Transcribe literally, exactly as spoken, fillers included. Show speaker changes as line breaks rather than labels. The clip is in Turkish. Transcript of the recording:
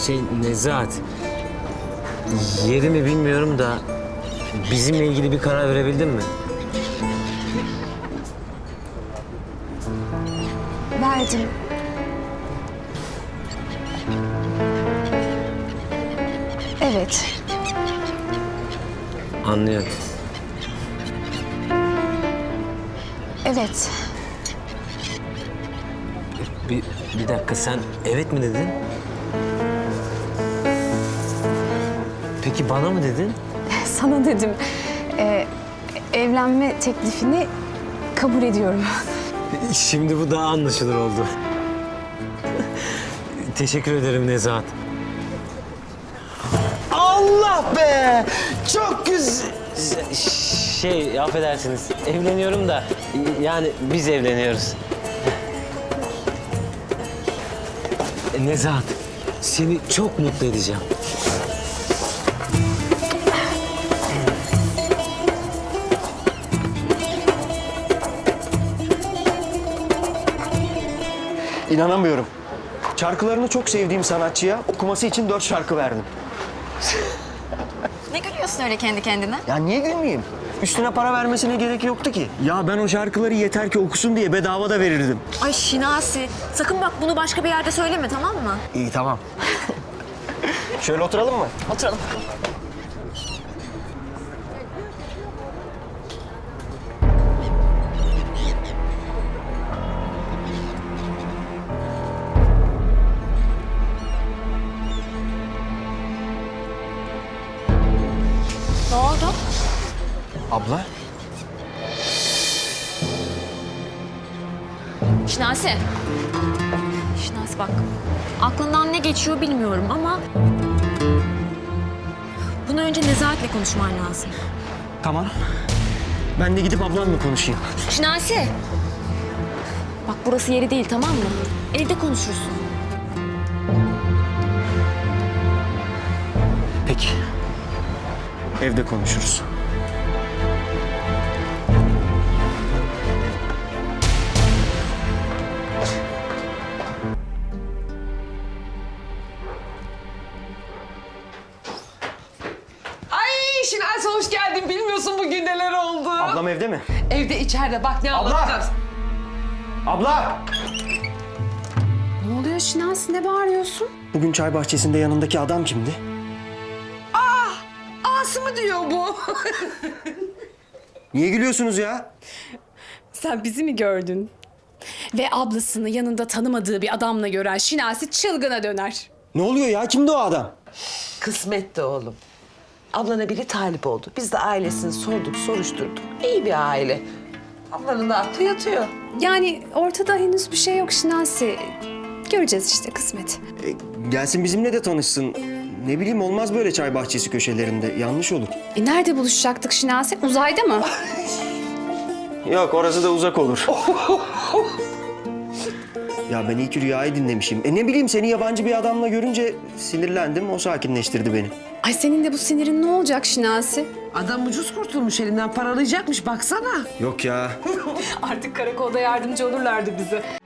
Şey Nezahat, yerimi bilmiyorum da bizimle ilgili bir karar verebildin mi?
Verdim. Evet.
Anlıyorum.
Evet.
Bir, bir dakika, sen evet mi dedin? Peki bana mı dedin?
Sana dedim. Ee, evlenme teklifini kabul ediyorum.
Şimdi bu daha anlaşılır oldu. Teşekkür ederim Nezahat.
Allah be! Çok güzel.
Şey, affedersiniz, evleniyorum da yani biz evleniyoruz. Nezahat, seni çok mutlu edeceğim.
İnanamıyorum. Şarkılarını çok sevdiğim sanatçıya okuması için dört şarkı verdim.
Ne gülüyorsun öyle kendi kendine?
Ya niye gülmeyeyim? Üstüne para vermesine gerek yoktu ki. Ya ben o şarkıları yeter ki okusun diye bedava da verirdim.
Ay Şinasi, sakın bak bunu başka bir yerde söyleme, tamam mı?
İyi, tamam. Şöyle oturalım mı?
Oturalım. Ne oldu?
Abla?
Şinasi. Şinasi bak, aklından ne geçiyor bilmiyorum ama... bunu önce Nezahat'le konuşman lazım.
Tamam. Ben de gidip ablamla konuşayım.
Şinasi. Bak burası yeri değil, tamam mı? Evde konuşursun.
Peki. Evde konuşuruz.
Ay Şinasi hoş geldin. Bilmiyorsun bugün neler oldu.
Ablam evde mi?
Evde içeride bak ne
Abla!
anlatacağız.
Abla!
Ne oluyor Şinasi? Ne bağırıyorsun?
Bugün çay bahçesinde yanındaki adam kimdi?
Ası mı diyor bu?
Niye gülüyorsunuz ya?
Sen bizi mi gördün? Ve ablasını yanında tanımadığı bir adamla gören Şinasi çılgına döner.
Ne oluyor ya? Kimdi o adam?
Kısmet de oğlum. Ablana biri talip oldu. Biz de ailesini sorduk, soruşturduk. İyi bir aile. Ablanın da aklı yatıyor.
Yani ortada henüz bir şey yok Şinasi. Göreceğiz işte kısmet.
E, gelsin bizimle de tanışsın. Ne bileyim, olmaz böyle çay bahçesi köşelerinde. Yanlış olur.
E nerede buluşacaktık Şinasi? Uzayda mı?
Yok, orası da uzak olur. Ya ben iyi ki rüyayı dinlemişim. E ne bileyim, seni yabancı bir adamla görünce sinirlendim. O sakinleştirdi beni.
Ay senin de bu sinirin ne olacak Şinasi?
Adam ucuz kurtulmuş, elinden paralayacakmış baksana.
Yok ya.
Artık karakolda yardımcı olurlardı bize.